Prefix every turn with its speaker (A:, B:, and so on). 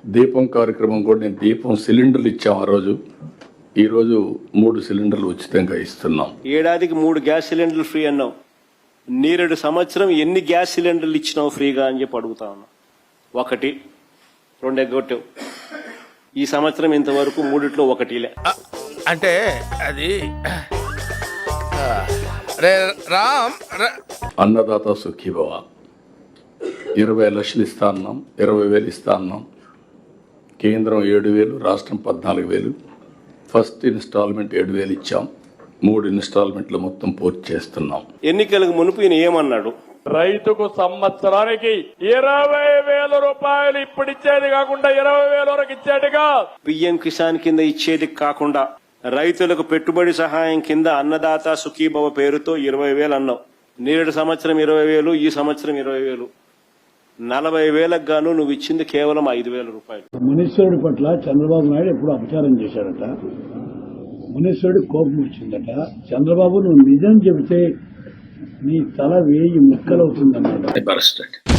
A: దీపం కార్యక్రమం కూడా నేను దీపం సిలిండర్లు ఇచ్చాం ఆ రోజు. ఈరోజు 3 సిలిండర్లు ఉచితంగా ఇస్తున్నాం.
B: ఏడాదికి 3 గ్యాస్ సిలిండర్లు ఫ్రీ అన్నావు. నీరెడు సంవత్సరం ఎన్ని గ్యాస్ సిలిండర్లు ఇచ్చినావు ఫ్రీగా అని చెప్పి అడుగుతా ఉన్నా. 1, 2 ఎగ్గొట్టావు. ఈ సంవత్సరం ఇంతవరకు 3 1
C: అంటే అది రామ్
A: అన్నదాత సుఖీభవ 20 లక్షలు ఇస్తా అన్నాం, 20,000 ఇస్తా అన్నాం. కేంద్రం 7,000, రాష్ట్రం 14,000. ఫస్ట్ ఇన్స్టాల్మెంట్ 7,000 ఇచ్చాం. 3 ఇన్స్టాల్మెంట్లు మొత్తం పూర్తి చేస్తున్నాం.
B: ఎన్నికలకు మునుపు ఈయన ఏమన్నాడు?
D: రైతుకు సంవత్సరానికి 20,000 రూపాయలు ఇప్పుడు ఇచ్చేది కాకుండా 20,000 వరకు ఇచ్చేట్టుగా
B: పిఎం కిసాన్ కింద ఇచ్చేది కాకుండా రైతులకు పెట్టుబడి సహాయం కింద అన్నదాత సుఖీభవ పేరుతో 20,000 అన్నావు. నేరేడు సంవత్సరం 20,000, ఈ సంవత్సరం 20,000. 40,000కు గాను నువ్వు ఇచ్చింది కేవలం 5,000 రూపాయలు.
E: మునీశ్వరుడి పట్ల చంద్రబాబు నాయుడు ఎప్పుడు అపచారం చేశాడట. మునీశ్వరుడి కోపం వచ్చిందట. చంద్రబాబు నువ్వు నిజం చెబితే నీ తల 1000 ముక్కలవుతుందన్నమాట.